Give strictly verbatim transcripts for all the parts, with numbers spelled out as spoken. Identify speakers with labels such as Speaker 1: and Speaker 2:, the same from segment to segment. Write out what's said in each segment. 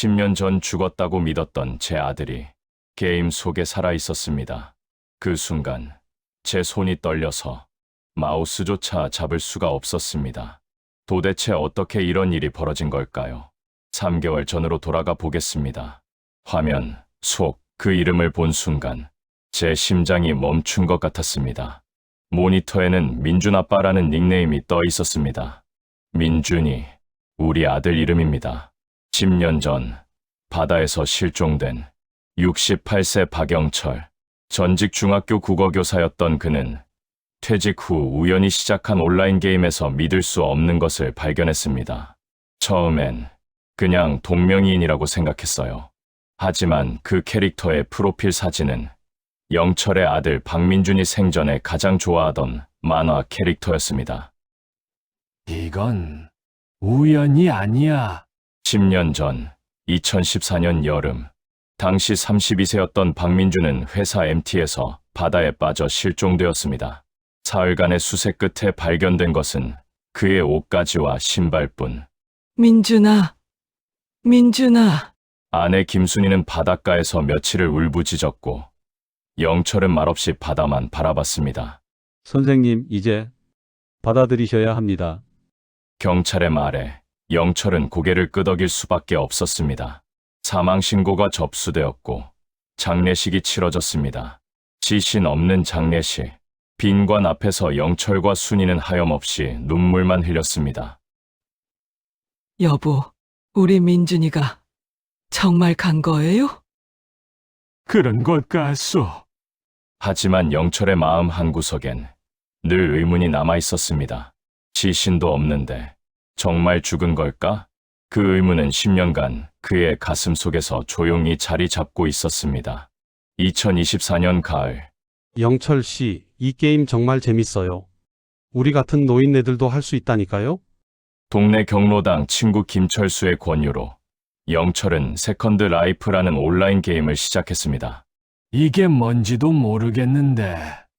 Speaker 1: 십 년 전 죽었다고 믿었던 제 아들이 게임 속에 살아 있었습니다. 그 순간 제 손이 떨려서 마우스조차 잡을 수가 없었습니다. 도대체 어떻게 이런 일이 벌어진 걸까요? 삼 개월 전으로 돌아가 보겠습니다. 화면 속 그 이름을 본 순간 제 심장이 멈춘 것 같았습니다. 모니터에는 민준 아빠라는 닉네임이 떠 있었습니다. 민준이 우리 아들 이름입니다. 십 년 전 바다에서 실종된 육십팔 세 박영철, 전직 중학교 국어교사였던 그는 퇴직 후 우연히 시작한 온라인 게임에서 믿을 수 없는 것을 발견했습니다. 처음엔 그냥 동명이인이라고 생각했어요. 하지만 그 캐릭터의 프로필 사진은 영철의 아들 박민준이 생전에 가장 좋아하던 만화 캐릭터였습니다.
Speaker 2: 이건 우연이 아니야.
Speaker 1: 십 년 전 이천십사 년 여름, 당시 삼십이 세였던 박민준은 회사 엠티에서 바다에 빠져 실종되었습니다. 사흘간의 수색 끝에 발견된 것은 그의 옷가지와 신발뿐.
Speaker 3: 민준아, 민준아.
Speaker 1: 아내 김순희는 바닷가에서 며칠을 울부짖었고 영철은 말없이 바다만 바라봤습니다.
Speaker 4: 선생님, 이제 받아들이셔야 합니다.
Speaker 1: 경찰의 말에 영철은 고개를 끄덕일 수밖에 없었습니다. 사망신고가 접수되었고 장례식이 치러졌습니다. 지신 없는 장례식. 빈관 앞에서 영철과 순이는 하염없이 눈물만 흘렸습니다.
Speaker 3: 여보, 우리 민준이가 정말 간 거예요?
Speaker 2: 그런 것 같소.
Speaker 1: 하지만 영철의 마음 한구석엔 늘 의문이 남아 있었습니다. 지신도 없는데 정말 죽은 걸까? 그 의문은 십 년간 그의 가슴 속에서 조용히 자리 잡고 있었습니다. 이천이십사 년 가을,
Speaker 4: 영철 씨, 이 게임 정말 재밌어요. 우리 같은 노인네들도 할 수 있다니까요?
Speaker 1: 동네 경로당 친구 김철수의 권유로 영철은 세컨드 라이프라는 온라인 게임을 시작했습니다.
Speaker 2: 이게 뭔지도 모르겠는데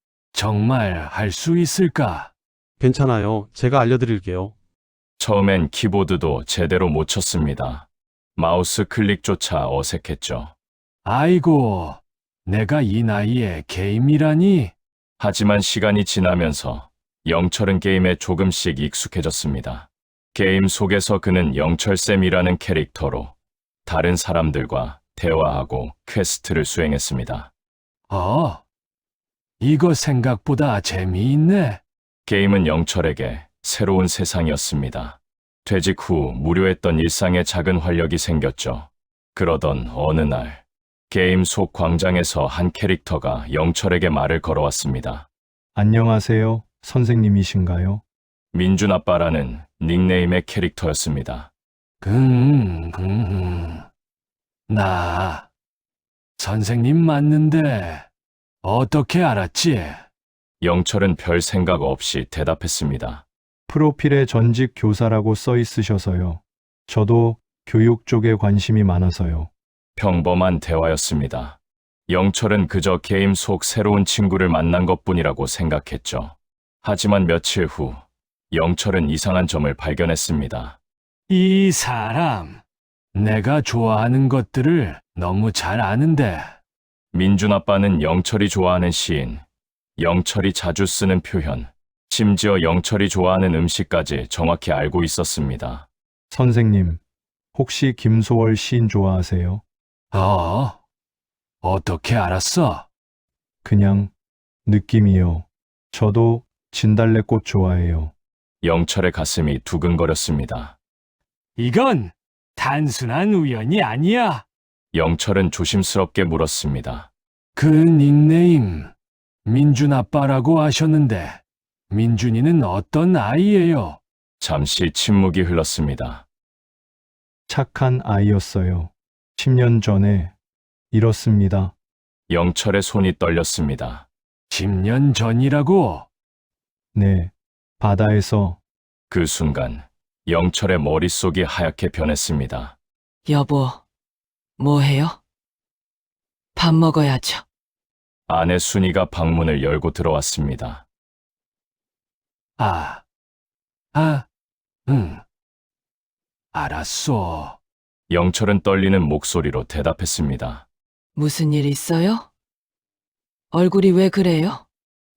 Speaker 2: 정말 할 수 있을까?
Speaker 4: 괜찮아요. 제가 알려드릴게요.
Speaker 1: 처음엔 키보드도 제대로 못 쳤습니다. 마우스 클릭조차 어색했죠.
Speaker 2: 아이고, 내가 이 나이에 게임이라니?
Speaker 1: 하지만 시간이 지나면서 영철은 게임에 조금씩 익숙해졌습니다. 게임 속에서 그는 영철쌤이라는 캐릭터로 다른 사람들과 대화하고 퀘스트를 수행했습니다.
Speaker 2: 어, 이거 생각보다 재미있네.
Speaker 1: 게임은 영철에게 새로운 세상이었습니다. 퇴직 후 무료했던 일상에 작은 활력이 생겼죠. 그러던 어느 날, 게임 속 광장에서 한 캐릭터가 영철에게 말을 걸어왔습니다.
Speaker 5: 안녕하세요, 선생님이신가요?
Speaker 1: 민준 아빠라는 닉네임의 캐릭터였습니다.
Speaker 2: 음, 음, 나 선생님 맞는데 어떻게 알았지?
Speaker 1: 영철은 별 생각 없이 대답했습니다.
Speaker 5: 프로필에 전직 교사라고 써 있으셔서요. 저도 교육 쪽에 관심이 많아서요.
Speaker 1: 평범한 대화였습니다. 영철은 그저 게임 속 새로운 친구를 만난 것뿐이라고 생각했죠. 하지만 며칠 후 영철은 이상한 점을 발견했습니다.
Speaker 2: 이 사람, 내가 좋아하는 것들을 너무 잘 아는데.
Speaker 1: 민준 아빠는 영철이 좋아하는 시인, 영철이 자주 쓰는 표현, 심지어 영철이 좋아하는 음식까지 정확히 알고 있었습니다.
Speaker 5: 선생님, 혹시 김소월 시인 좋아하세요?
Speaker 2: 어? 어떻게 알았어?
Speaker 5: 그냥 느낌이요. 저도 진달래꽃 좋아해요.
Speaker 1: 영철의 가슴이 두근거렸습니다.
Speaker 2: 이건 단순한 우연이 아니야.
Speaker 1: 영철은 조심스럽게 물었습니다.
Speaker 2: 그 닉네임, 민준 아빠라고 하셨는데, 민준이는 어떤 아이예요?
Speaker 1: 잠시 침묵이 흘렀습니다.
Speaker 5: 착한 아이였어요. 십 년 전에 잃었습니다.
Speaker 1: 영철의 손이 떨렸습니다.
Speaker 2: 십 년 전이라고?
Speaker 5: 네, 바다에서.
Speaker 1: 그 순간 영철의 머릿속이 하얗게 변했습니다.
Speaker 3: 여보, 뭐 해요? 밥 먹어야죠.
Speaker 1: 아내 순이가 방문을 열고 들어왔습니다.
Speaker 2: 아, 아, 응. 알았어.
Speaker 1: 영철은 떨리는 목소리로 대답했습니다.
Speaker 3: 무슨 일 있어요? 얼굴이 왜 그래요?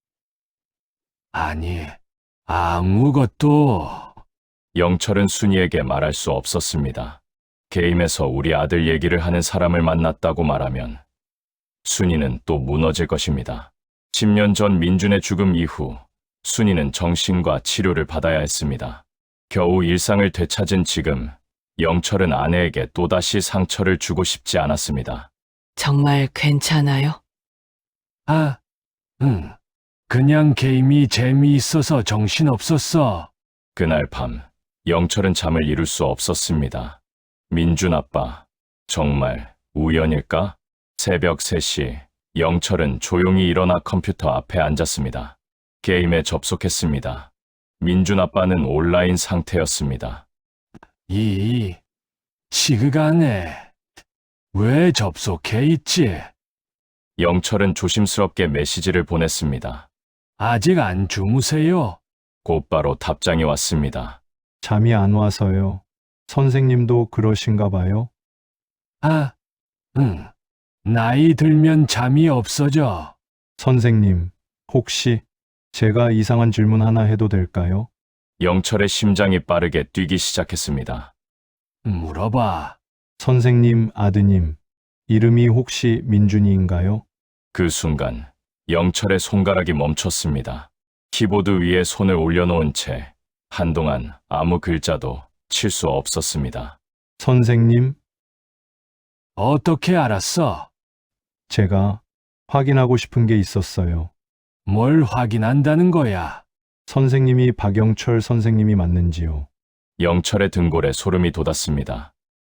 Speaker 2: 아니, 아무것도.
Speaker 1: 영철은 순이에게 말할 수 없었습니다. 게임에서 우리 아들 얘기를 하는 사람을 만났다고 말하면 순이는 또 무너질 것입니다. 십 년 전 민준의 죽음 이후 순이는 정신과 치료를 받아야 했습니다. 겨우 일상을 되찾은 지금 영철은 아내에게 또다시 상처를 주고 싶지 않았습니다.
Speaker 3: 정말 괜찮아요?
Speaker 2: 아, 응. 그냥 게임이 재미있어서 정신없었어.
Speaker 1: 그날 밤 영철은 잠을 이룰 수 없었습니다. 민준 아빠, 정말 우연일까? 새벽 세 시 영철은 조용히 일어나 컴퓨터 앞에 앉았습니다. 게임에 접속했습니다. 민준 아빠는 온라인 상태였습니다.
Speaker 2: 이, 시그간에 왜 접속해 있지?
Speaker 1: 영철은 조심스럽게 메시지를 보냈습니다.
Speaker 2: 아직 안 주무세요?
Speaker 1: 곧바로 답장이 왔습니다.
Speaker 5: 잠이 안 와서요. 선생님도 그러신가 봐요.
Speaker 2: 아, 응. 나이 들면 잠이 없어져.
Speaker 5: 선생님, 혹시 제가 이상한 질문 하나 해도 될까요?
Speaker 1: 영철의 심장이 빠르게 뛰기 시작했습니다.
Speaker 2: 물어봐.
Speaker 5: 선생님 아드님, 이름이 혹시 민준이인가요?
Speaker 1: 그 순간 영철의 손가락이 멈췄습니다. 키보드 위에 손을 올려놓은 채 한동안 아무 글자도 칠 수 없었습니다.
Speaker 5: 선생님,
Speaker 2: 어떻게 알았어?
Speaker 5: 제가 확인하고 싶은 게 있었어요.
Speaker 2: 뭘 확인한다는 거야?
Speaker 5: 선생님이 박영철 선생님이 맞는지요?
Speaker 1: 영철의 등골에 소름이 돋았습니다.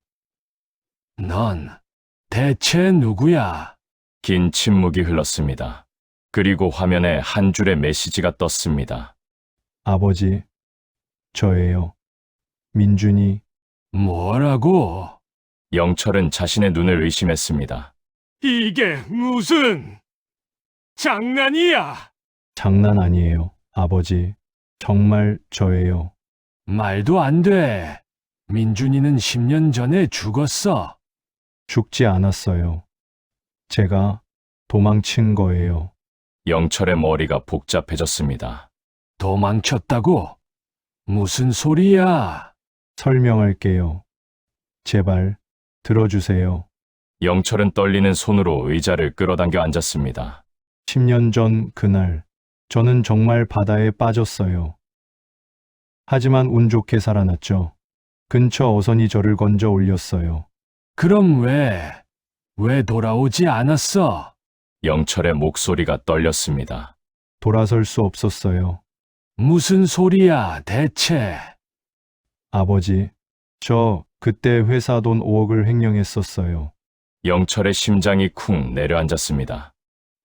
Speaker 2: 넌 대체 누구야?
Speaker 1: 긴 침묵이 흘렀습니다. 그리고 화면에 한 줄의 메시지가 떴습니다.
Speaker 5: 아버지, 저예요. 민준이.
Speaker 2: 뭐라고?
Speaker 1: 영철은 자신의 눈을 의심했습니다.
Speaker 2: 이게 무슨 장난이야?
Speaker 5: 장난 아니에요. 아버지, 정말 저예요.
Speaker 2: 말도 안 돼. 민준이는 십 년 전에 죽었어.
Speaker 5: 죽지 않았어요. 제가 도망친 거예요.
Speaker 1: 영철의 머리가 복잡해졌습니다.
Speaker 2: 도망쳤다고? 무슨 소리야?
Speaker 5: 설명할게요. 제발 들어주세요.
Speaker 1: 영철은 떨리는 손으로 의자를 끌어당겨 앉았습니다.
Speaker 5: 십 년 전 그날, 저는 정말 바다에 빠졌어요. 하지만 운 좋게 살아났죠. 근처 어선이 저를 건져 올렸어요.
Speaker 2: 그럼 왜, 왜 돌아오지 않았어?
Speaker 1: 영철의 목소리가 떨렸습니다.
Speaker 5: 돌아설 수 없었어요.
Speaker 2: 무슨 소리야, 대체?
Speaker 5: 아버지, 저 그때 회사 돈 오억을 횡령했었어요.
Speaker 1: 영철의 심장이 쿵 내려앉았습니다.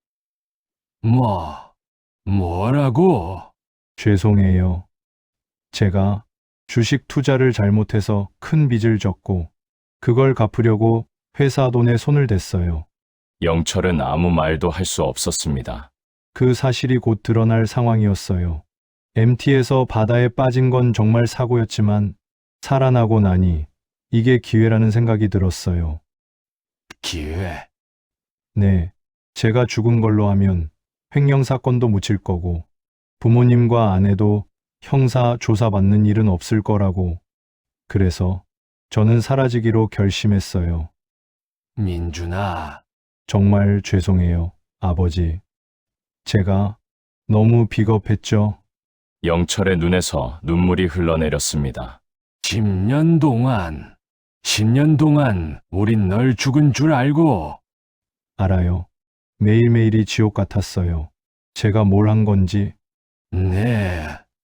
Speaker 2: 뭐, 뭐라고?
Speaker 5: 죄송해요. 제가 주식 투자를 잘못해서 큰 빚을 졌고, 그걸 갚으려고 회사 돈에 손을 댔어요.
Speaker 1: 영철은 아무 말도 할 수 없었습니다.
Speaker 5: 그 사실이 곧 드러날 상황이었어요. 엠티에서 바다에 빠진 건 정말 사고였지만, 살아나고 나니 이게 기회라는 생각이 들었어요.
Speaker 2: 기회.
Speaker 5: 네, 제가 죽은 걸로 하면 횡령 사건도 묻힐 거고, 부모님과 아내도 형사 조사받는 일은 없을 거라고. 그래서 저는 사라지기로 결심했어요.
Speaker 2: 민준아,
Speaker 5: 정말 죄송해요, 아버지. 제가 너무 비겁했죠.
Speaker 1: 영철의 눈에서 눈물이 흘러내렸습니다.
Speaker 2: 십 년 동안, 십 년 동안 우린 널 죽은 줄 알고,
Speaker 5: 알아요. 매일매일이 지옥 같았어요. 제가 뭘 한 건지.
Speaker 2: 네,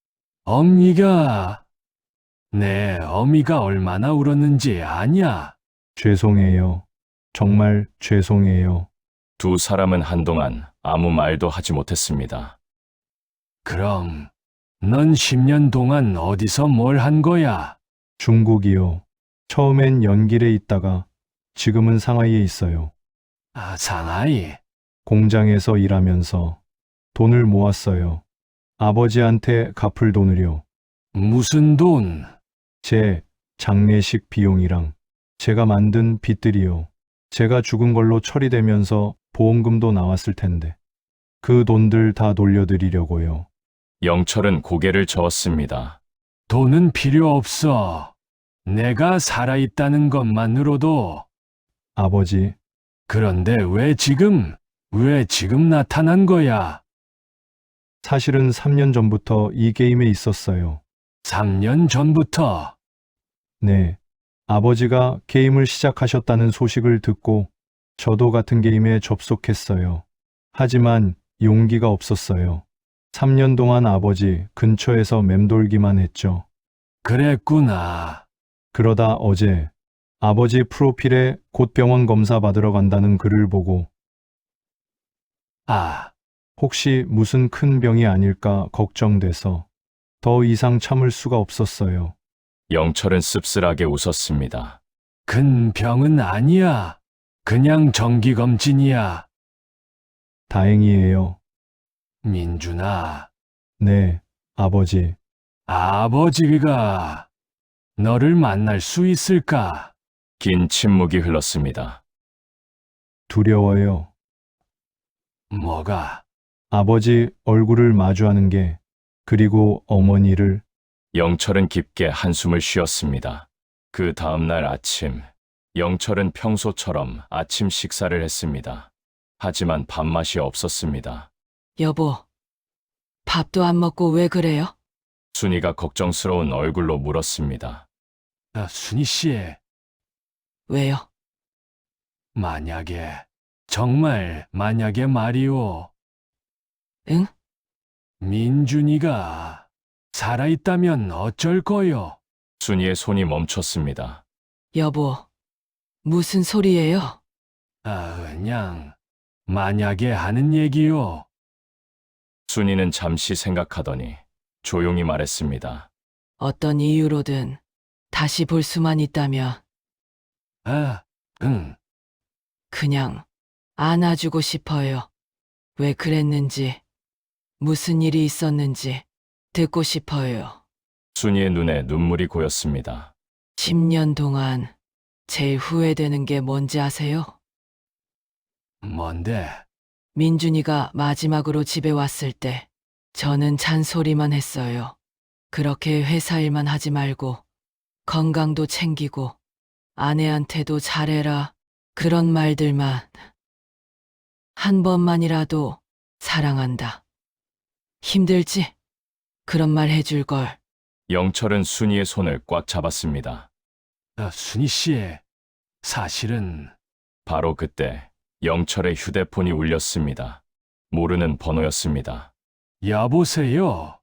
Speaker 2: 어미가, 네, 어미가 얼마나 울었는지 아냐?
Speaker 5: 죄송해요. 정말 죄송해요.
Speaker 1: 두 사람은 한동안 아무 말도 하지 못했습니다.
Speaker 2: 그럼, 넌 십 년 동안 어디서 뭘 한 거야?
Speaker 5: 중국이요. 처음엔 연길에 있다가 지금은 상하이에 있어요.
Speaker 2: 아, 상하이.
Speaker 5: 공장에서 일하면서 돈을 모았어요. 아버지한테 갚을 돈을요.
Speaker 2: 무슨 돈?
Speaker 5: 제 장례식 비용이랑 제가 만든 빚들이요. 제가 죽은 걸로 처리되면서 보험금도 나왔을 텐데. 그 돈들 다 돌려드리려고요.
Speaker 1: 영철은 고개를 저었습니다.
Speaker 2: 돈은 필요 없어. 내가 살아있다는 것만으로도.
Speaker 5: 아버지,
Speaker 2: 그런데 왜 지금, 왜 지금 나타난 거야?
Speaker 5: 사실은 삼 년 전부터 이 게임에 있었어요.
Speaker 2: 삼 년 전부터.
Speaker 5: 네. 아버지가 게임을 시작하셨다는 소식을 듣고 저도 같은 게임에 접속했어요. 하지만 용기가 없었어요. 삼 년 동안 아버지 근처에서 맴돌기만 했죠.
Speaker 2: 그랬구나.
Speaker 5: 그러다 어제 아버지 프로필에 곧 병원 검사 받으러 간다는 글을 보고
Speaker 2: 아,
Speaker 5: 혹시 무슨 큰 병이 아닐까 걱정돼서 더 이상 참을 수가 없었어요.
Speaker 1: 영철은 씁쓸하게 웃었습니다.
Speaker 2: 큰 병은 아니야. 그냥 정기검진이야.
Speaker 5: 다행이에요.
Speaker 2: 민준아,
Speaker 5: 네, 아버지.
Speaker 2: 아버지가 너를 만날 수 있을까?
Speaker 1: 긴 침묵이 흘렀습니다.
Speaker 5: 두려워요.
Speaker 2: 뭐가?
Speaker 5: 아버지 얼굴을 마주하는 게, 그리고 어머니를.
Speaker 1: 영철은 깊게 한숨을 쉬었습니다. 그 다음날 아침, 영철은 평소처럼 아침 식사를 했습니다. 하지만 밥맛이 없었습니다.
Speaker 3: 여보, 밥도 안 먹고 왜 그래요?
Speaker 1: 순이가 걱정스러운 얼굴로 물었습니다.
Speaker 2: 아, 순희 씨,
Speaker 3: 왜요?
Speaker 2: 만약에, 정말 만약에 말이오.
Speaker 3: 응?
Speaker 2: 민준이가 살아있다면 어쩔 거요?
Speaker 1: 순이의 손이 멈췄습니다.
Speaker 3: 여보, 무슨 소리예요?
Speaker 2: 아, 그냥 만약에 하는 얘기요.
Speaker 1: 순이는 잠시 생각하더니 조용히 말했습니다.
Speaker 3: 어떤 이유로든 다시 볼 수만 있다면
Speaker 2: 아, 응.
Speaker 3: 그냥 안아주고 싶어요. 왜 그랬는지, 무슨 일이 있었는지 듣고 싶어요.
Speaker 1: 순이의 눈에 눈물이 고였습니다.
Speaker 3: 십 년 동안 제일 후회되는 게 뭔지 아세요?
Speaker 2: 뭔데?
Speaker 3: 민준이가 마지막으로 집에 왔을 때 저는 잔소리만 했어요. 그렇게 회사 일만 하지 말고 건강도 챙기고 아내한테도 잘해라. 그런 말들만. 한 번만이라도 사랑한다. 힘들지? 그런 말 해줄 걸.
Speaker 1: 영철은 순이의 손을 꽉 잡았습니다.
Speaker 2: 아, 순희 씨, 사실은
Speaker 1: 바로 그때 영철의 휴대폰이 울렸습니다. 모르는 번호였습니다.
Speaker 2: 여보세요.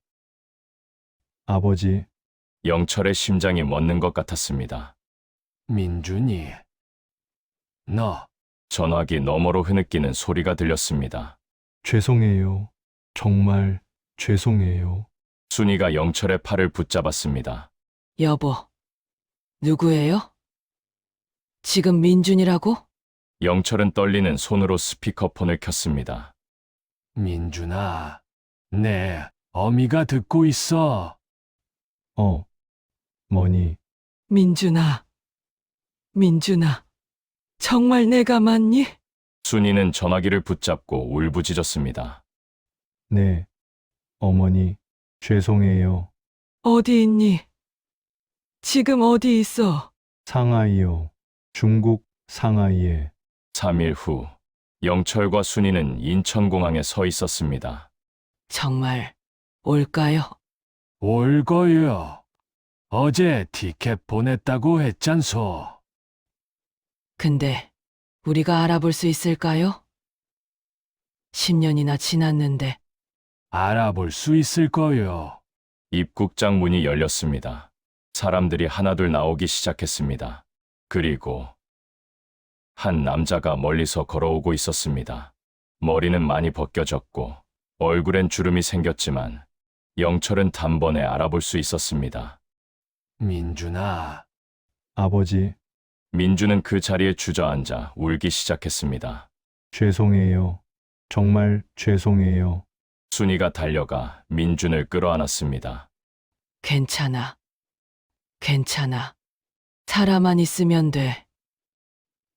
Speaker 5: 아버지,
Speaker 1: 영철의 심장이 멎는 것 같았습니다.
Speaker 2: 민준이, 너
Speaker 1: 전화기 너머로 흐느끼는 소리가 들렸습니다.
Speaker 5: 죄송해요. 정말 죄송해요.
Speaker 1: 순이가 영철의 팔을 붙잡았습니다.
Speaker 3: 여보, 누구예요? 지금 민준이라고?
Speaker 1: 영철은 떨리는 손으로 스피커폰을 켰습니다.
Speaker 2: 민준아, 내 어미가 듣고 있어.
Speaker 5: 어, 머니,
Speaker 3: 민준아, 민준아, 정말 내가 맞니?
Speaker 1: 순이는 전화기를 붙잡고 울부짖었습니다.
Speaker 5: 네, 어머니, 죄송해요.
Speaker 3: 어디 있니? 지금 어디 있어?
Speaker 5: 상하이요. 중국 상하이에.
Speaker 1: 삼 일 후, 영철과 순이는 인천공항에 서 있었습니다.
Speaker 3: 정말 올까요?
Speaker 2: 올 거요. 어제 티켓 보냈다고 했잖소.
Speaker 3: 근데 우리가 알아볼 수 있을까요? 십 년이나 지났는데.
Speaker 2: 알아볼 수 있을 거요.
Speaker 1: 입국장 문이 열렸습니다. 사람들이 하나둘 나오기 시작했습니다. 그리고 한 남자가 멀리서 걸어오고 있었습니다. 머리는 많이 벗겨졌고 얼굴엔 주름이 생겼지만 영철은 단번에 알아볼 수 있었습니다.
Speaker 2: 민준아,
Speaker 5: 아버지,
Speaker 1: 민주는 그 자리에 주저앉아 울기 시작했습니다.
Speaker 5: 죄송해요. 정말 죄송해요.
Speaker 1: 순이가 달려가 민준을 끌어안았습니다.
Speaker 3: 괜찮아. 괜찮아. 살아만 있으면 돼.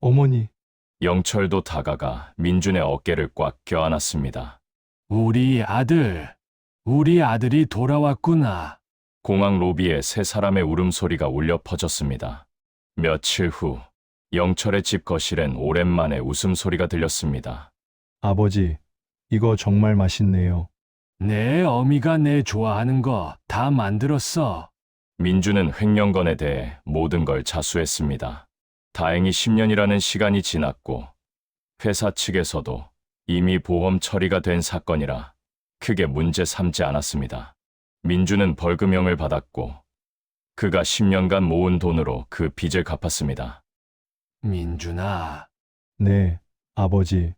Speaker 5: 어머니,
Speaker 1: 영철도 다가가 민준의 어깨를 꽉 껴안았습니다.
Speaker 2: 우리 아들, 우리 아들이 돌아왔구나.
Speaker 1: 공항 로비에 세 사람의 울음소리가 울려 퍼졌습니다. 며칠 후 영철의 집 거실엔 오랜만에 웃음소리가 들렸습니다.
Speaker 5: 아버지, 이거 정말 맛있네요.
Speaker 2: 내 어미가 내 좋아하는 거 다 만들었어.
Speaker 1: 민준은 횡령건에 대해 모든 걸 자수했습니다. 다행히 십 년이라는 시간이 지났고 회사 측에서도 이미 보험 처리가 된 사건이라 크게 문제 삼지 않았습니다. 민준은 벌금형을 받았고 그가 십 년간 모은 돈으로 그 빚을 갚았습니다.
Speaker 2: 민준아,
Speaker 5: 네, 아버지,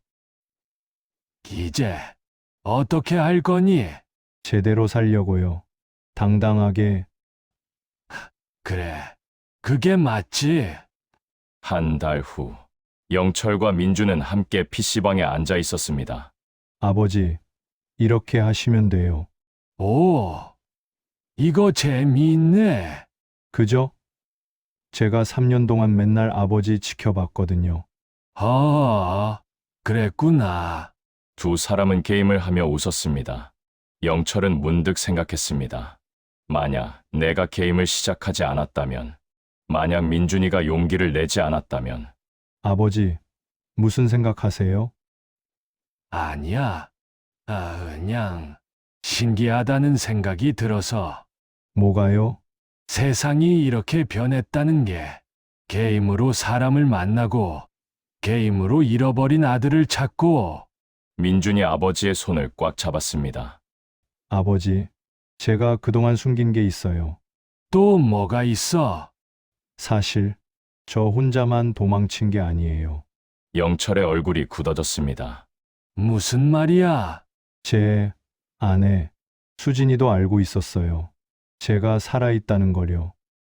Speaker 2: 이제 어떻게 할 거니?
Speaker 5: 제대로 살려고요. 당당하게.
Speaker 2: 그래, 그게 맞지.
Speaker 1: 한 달 후 영철과 민준은 함께 피시방에 앉아 있었습니다.
Speaker 5: 아버지, 이렇게 하시면 돼요.
Speaker 2: 오, 이거 재미있네.
Speaker 5: 그죠? 제가 삼 년 동안 맨날 아버지 지켜봤거든요.
Speaker 2: 어, 그랬구나.
Speaker 1: 두 사람은 게임을 하며 웃었습니다. 영철은 문득 생각했습니다. 만약 내가 게임을 시작하지 않았다면, 만약 민준이가 용기를 내지 않았다면,
Speaker 5: 아버지, 무슨 생각하세요?
Speaker 2: 아니야. 아, 그냥 신기하다는 생각이 들어서.
Speaker 5: 뭐가요?
Speaker 2: 세상이 이렇게 변했다는 게 게임으로 사람을 만나고 게임으로 잃어버린 아들을 찾고.
Speaker 1: 민준이 아버지의 손을 꽉 잡았습니다.
Speaker 5: 아버지, 제가 그동안 숨긴 게 있어요.
Speaker 2: 또 뭐가 있어?
Speaker 5: 사실, 저 혼자만 도망친 게 아니에요.
Speaker 1: 영철의 얼굴이 굳어졌습니다.
Speaker 2: 무슨 말이야?
Speaker 5: 제 아내, 수진이도 알고 있었어요. 제가 살아있다는 걸요.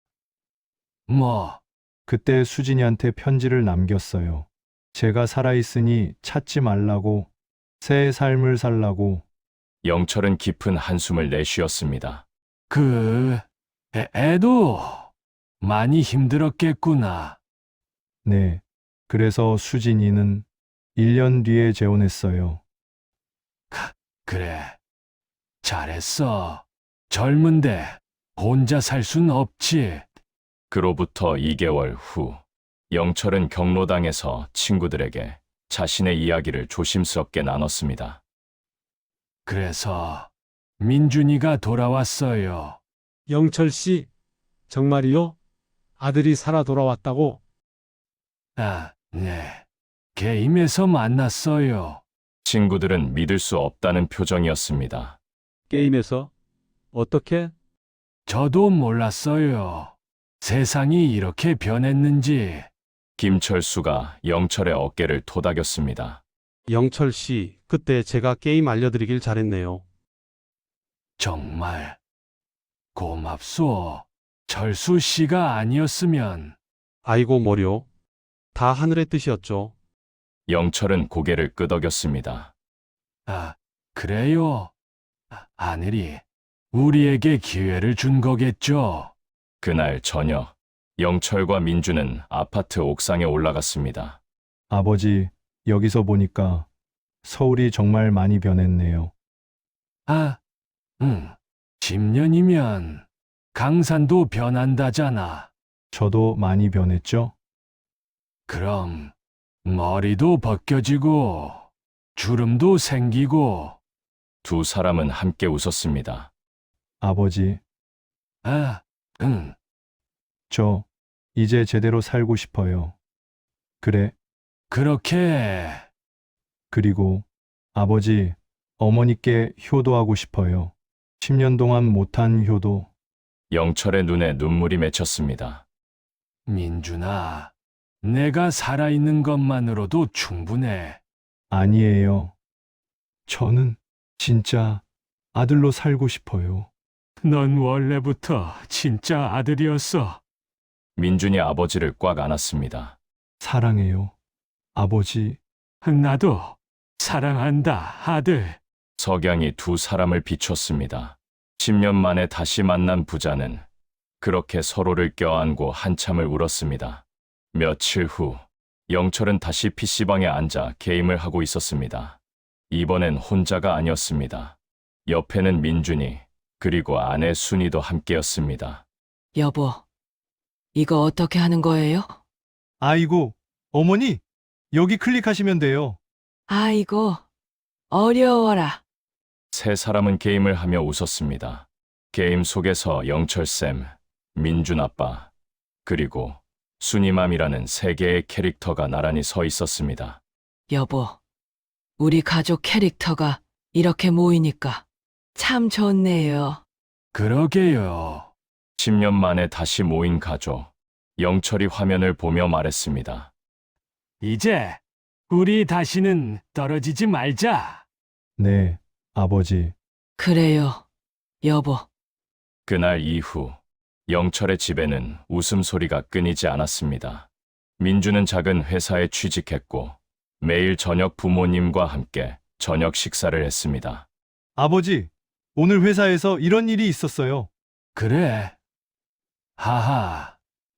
Speaker 2: 뭐,
Speaker 5: 그때 수진이한테 편지를 남겼어요. 제가 살아있으니 찾지 말라고, 새 삶을 살라고.
Speaker 1: 영철은 깊은 한숨을 내쉬었습니다.
Speaker 2: 그, 애, 애도 많이 힘들었겠구나.
Speaker 5: 네, 그래서 수진이는 일 년 뒤에 재혼했어요.
Speaker 2: 그래, 잘했어. 젊은데 혼자 살 순 없지.
Speaker 1: 그로부터 이 개월 후, 영철은 경로당에서 친구들에게 자신의 이야기를 조심스럽게 나눴습니다.
Speaker 2: 그래서 민준이가 돌아왔어요.
Speaker 4: 영철 씨, 정말이요? 아들이 살아 돌아왔다고?
Speaker 2: 아, 네. 게임에서 만났어요.
Speaker 1: 친구들은 믿을 수 없다는 표정이었습니다.
Speaker 4: 게임에서? 어떻게?
Speaker 2: 저도 몰랐어요. 세상이 이렇게 변했는지.
Speaker 1: 김철수가 영철의 어깨를 토닥였습니다.
Speaker 4: 영철 씨, 그때 제가 게임 알려드리길 잘했네요.
Speaker 2: 정말 고맙소. 철수 씨가 아니었으면.
Speaker 4: 아이고 뭐려. 다 하늘의 뜻이었죠.
Speaker 1: 영철은 고개를 끄덕였습니다.
Speaker 2: 아, 그래요? 아, 하늘이 우리에게 기회를 준 거겠죠.
Speaker 1: 그날 저녁, 영철과 민주는 아파트 옥상에 올라갔습니다.
Speaker 5: 아버지, 여기서 보니까 서울이 정말 많이 변했네요.
Speaker 2: 아, 응. 십 년이면 강산도 변한다잖아.
Speaker 5: 저도 많이 변했죠?
Speaker 2: 그럼 머리도 벗겨지고 주름도 생기고.
Speaker 1: 두 사람은 함께 웃었습니다.
Speaker 5: 아버지,
Speaker 2: 아, 응.
Speaker 5: 저 이제 제대로 살고 싶어요. 그래,
Speaker 2: 그렇게.
Speaker 5: 그리고 아버지, 어머니께 효도하고 싶어요. 십 년 동안 못한 효도.
Speaker 1: 영철의 눈에 눈물이 맺혔습니다.
Speaker 2: 민준아, 내가 살아있는 것만으로도 충분해.
Speaker 5: 아니에요. 저는 진짜 아들로 살고 싶어요.
Speaker 2: 넌 원래부터 진짜 아들이었어.
Speaker 1: 민준이 아버지를 꽉 안았습니다.
Speaker 5: 사랑해요. 아버지,
Speaker 2: 나도 사랑한다, 아들.
Speaker 1: 석양이 두 사람을 비췄습니다. 십 년 만에 다시 만난 부자는 그렇게 서로를 껴안고 한참을 울었습니다. 며칠 후 영철은 다시 피씨방에 앉아 게임을 하고 있었습니다. 이번엔 혼자가 아니었습니다. 옆에는 민준이, 그리고 아내 순이도 함께였습니다.
Speaker 3: 여보, 이거 어떻게 하는 거예요?
Speaker 5: 아이고, 어머니, 여기 클릭하시면 돼요.
Speaker 3: 아이고, 어려워라.
Speaker 1: 세 사람은 게임을 하며 웃었습니다. 게임 속에서 영철쌤, 민준 아빠, 그리고 순이맘이라는 세 개의 캐릭터가 나란히 서 있었습니다.
Speaker 3: 여보, 우리 가족 캐릭터가 이렇게 모이니까 참 좋네요.
Speaker 2: 그러게요.
Speaker 1: 십 년 만에 다시 모인 가족. 영철이 화면을 보며 말했습니다.
Speaker 2: 이제 우리 다시는 떨어지지 말자.
Speaker 5: 네, 아버지.
Speaker 3: 그래요, 여보.
Speaker 1: 그날 이후 영철의 집에는 웃음소리가 끊이지 않았습니다. 민주는 작은 회사에 취직했고 매일 저녁 부모님과 함께 저녁 식사를 했습니다.
Speaker 5: 아버지, 오늘 회사에서 이런 일이 있었어요.
Speaker 2: 그래. 하하,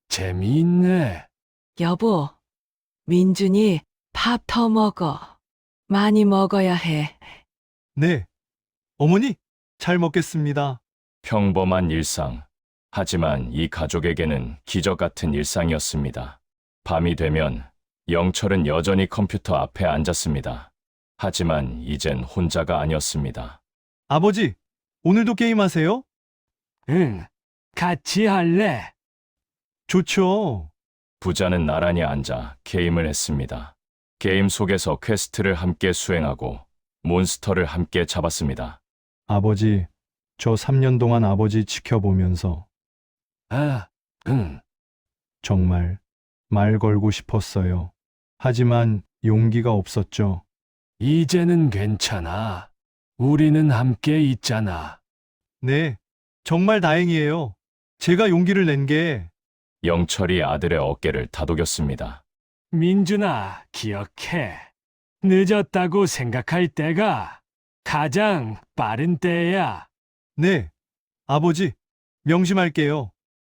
Speaker 2: 재미있네.
Speaker 3: 여보, 민준이 밥 더 먹어. 많이 먹어야 해.
Speaker 5: 네. 어머니, 잘 먹겠습니다.
Speaker 1: 평범한 일상. 하지만 이 가족에게는 기적 같은 일상이었습니다. 밤이 되면 영철은 여전히 컴퓨터 앞에 앉았습니다. 하지만 이젠 혼자가 아니었습니다.
Speaker 5: 아버지, 오늘도 게임하세요?
Speaker 2: 응, 같이 할래.
Speaker 5: 좋죠.
Speaker 1: 부자는 나란히 앉아 게임을 했습니다. 게임 속에서 퀘스트를 함께 수행하고 몬스터를 함께 잡았습니다.
Speaker 5: 아버지, 저 삼 년 동안 아버지 지켜보면서
Speaker 2: 아, 응.
Speaker 5: 정말 말 걸고 싶었어요. 하지만 용기가 없었죠.
Speaker 2: 이제는 괜찮아. 우리는 함께 있잖아.
Speaker 5: 네, 정말 다행이에요. 제가 용기를 낸 게
Speaker 1: 영철이 아들의 어깨를 다독였습니다.
Speaker 2: 민준아, 기억해. 늦었다고 생각할 때가 가장 빠른 때야.
Speaker 5: 네, 아버지, 명심할게요.